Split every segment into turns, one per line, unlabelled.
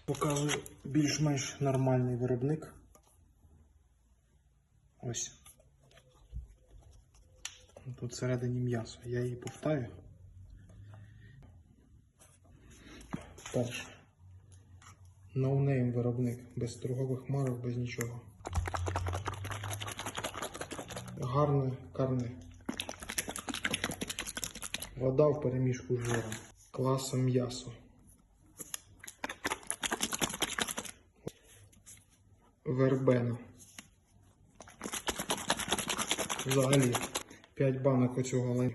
Показую більш-менш нормальний виробник. Ось. Тут всередині м'ясо. Я її повтаю. Перше. No-name виробник. Без торгових марок, без нічого. Гарне карне. Вода в перемішку з жиром. Класом м'ясо. Вербена. Взагалі 5 банок оцього лайну.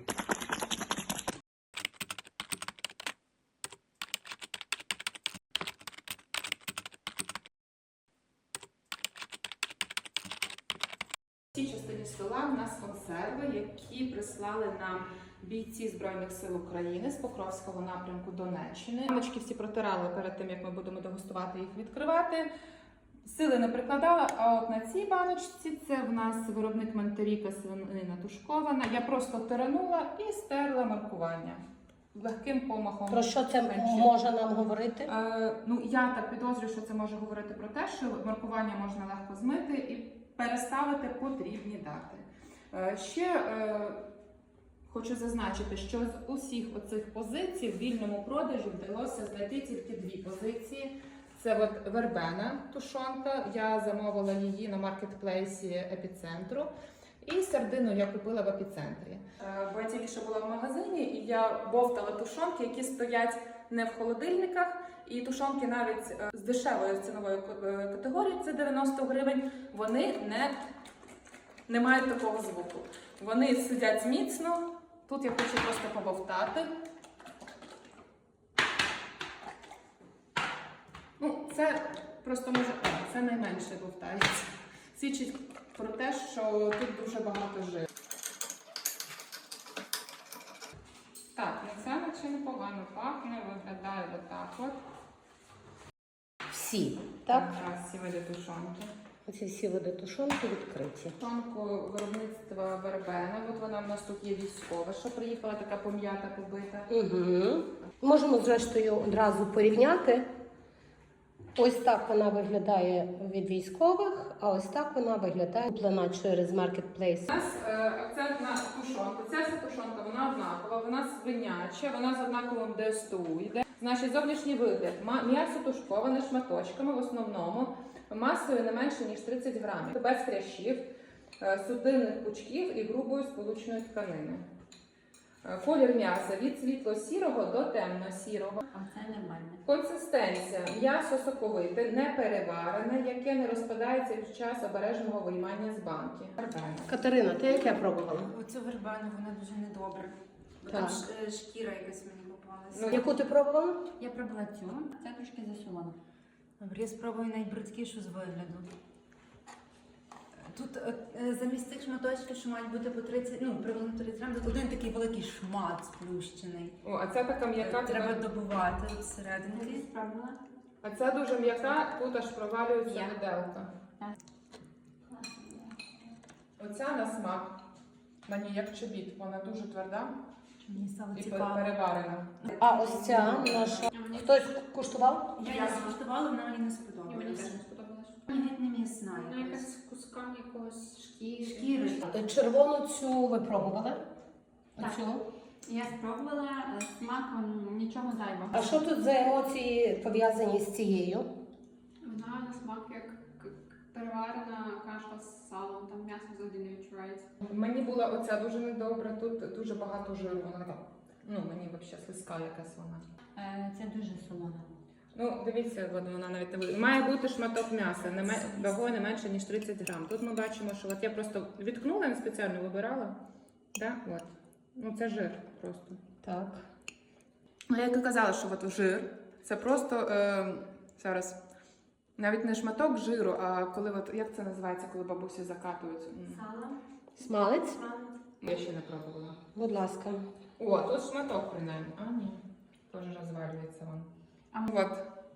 В цій частині стола у нас консерви, які прислали нам бійці Збройних сил України з Покровського напрямку Донеччини. Баночки всі протирали перед тим, як ми будемо дегустувати їх відкривати. Сили не прикладала, а от на цій баночці це в нас виробник Мантеріка, свинина тушкована. Я просто тиранула і стерла маркування. Легким помахом.
Про що це може нам говорити?
Ну, я так підозрюю, що це може говорити про те, що маркування можна легко змити і переставити потрібні дати. Ще хочу зазначити, що з усіх оцих позицій в вільному продажі вдалося знайти тільки 2 позиції. Це от вербена тушонка, я замовила її на маркетплейсі Епіцентру. І сардину я купила в Епіцентрі. Бо я тільки що була в магазині, і я бовтала тушонки, які стоять не в холодильниках. І тушонки навіть з дешевою ціновою категорією, це 90 гривень, вони не мають такого звуку. Вони сидять міцно. Тут я хочу просто побовтати. Ну, це просто може, це найменше бовтається. Свідчить про те, що тут дуже багато жиру. Так, ну це наче непогано пахне, виглядає отак от.
Всі, так?
Зараз всі види тушонки.
Оці всі види тушонки відкриті.
Тушонку виробництва Вербена. От вона в нас тут є військова, що приїхала така пом'ята, побита.
Угу. Можемо, зрештою, одразу порівняти. Ось так вона виглядає від військових, а ось так вона виглядає куплена через маркетплейс.
У нас акцент на тушонку. Ця вся тушонка, вона однакова, вона свиняча, вона з однаковим ДСТУ йде. Значить, зовнішній вигляд. М'ясо тушковане шматочками в основному, масою не менше, ніж 30 грамів. Без хрящів, судинних пучків і грубої сполучної тканини. Колір м'яса від світло-сірого до темно-сірого.
А це нормально.
Консистенція. М'ясо соковите, не переварене, яке не розпадається під час обережного виймання з банки.
Катерина, ти яке пробувала?
Оцю вербену, вона дуже недобра.
Так.
Там шкіра якась мені попалася.
Ну,
Яку ти пробувала?
Я пробувала цю, це трошки засолона. Добре, я спробую найбридкішу з вигляду. Тут замість цих шматочків, що мають бути по 30, ну, приблизно 30 грам, тут один такий великий шмат сплющений.
О, а ця така м'яка.
Треба добувати всерединки. Спробувала?
А ця дуже м'яка, тут аж провалюється виделка. Оця на смак. Мені як чобіт, вона дуже тверда
Мені стало
і
цікаво.
переварена.
А ось ця наша. Хтось куштував?
Я її скуштувала, вона мені не сподобалася.
Мені теж не сподобалось.
Мені геть не м'ясна
Вона
якась.
якась з кусками якогось
Шкіри.
Червону цю ви пробували?
Так.
Оцю?
Я спробувала, смак нічого зайвого.
А що тут за емоції пов'язані з цією?
Вона на смак як переварена каша з салом, там м'ясо взагалі не відчувається.
Мені була оця дуже недобра, тут дуже багато жиру. Вона така, ну мені взагалі слизька якась вона.
Це дуже солона.
Ну, дивіться, от вона навіть не буде. Має бути шматок м'яса, вагою не менше, ніж 30 грам. Тут ми бачимо, що от я просто відкнула, не спеціально вибирала. Да? От. Ну, це жир просто.
Так.
Ну, як і казала, що от жир, це просто, зараз, навіть не шматок жиру, а коли, от, як це називається, коли бабусі закатують?
Сало.
Смалець?
Я ще не пробувала.
Будь ласка.
О, тут шматок принаймні. А, ні. Теж розвалюється він. От.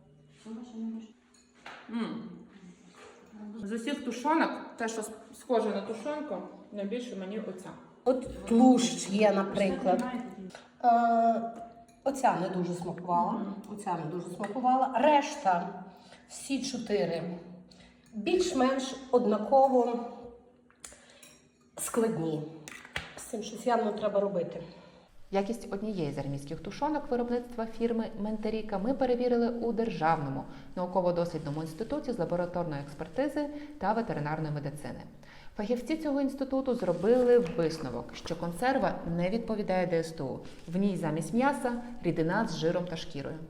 З усіх тушонок, те, що схоже на тушонку, найбільше мені оця.
От тлущ є, наприклад. Оця не дуже смакувала. Оця не дуже смакувала. Решта, всі 4, більш-менш однаково складні. З цим щось явно треба робити.
Якість однієї з армійських тушонок виробництва фірми Ментеріка ми перевірили у Державному науково-дослідному інституті з лабораторної експертизи та ветеринарної медицини. Фахівці цього інституту зробили висновок, що консерва не відповідає ДСТУ. В ній замість м'яса рідина з жиром та шкірою.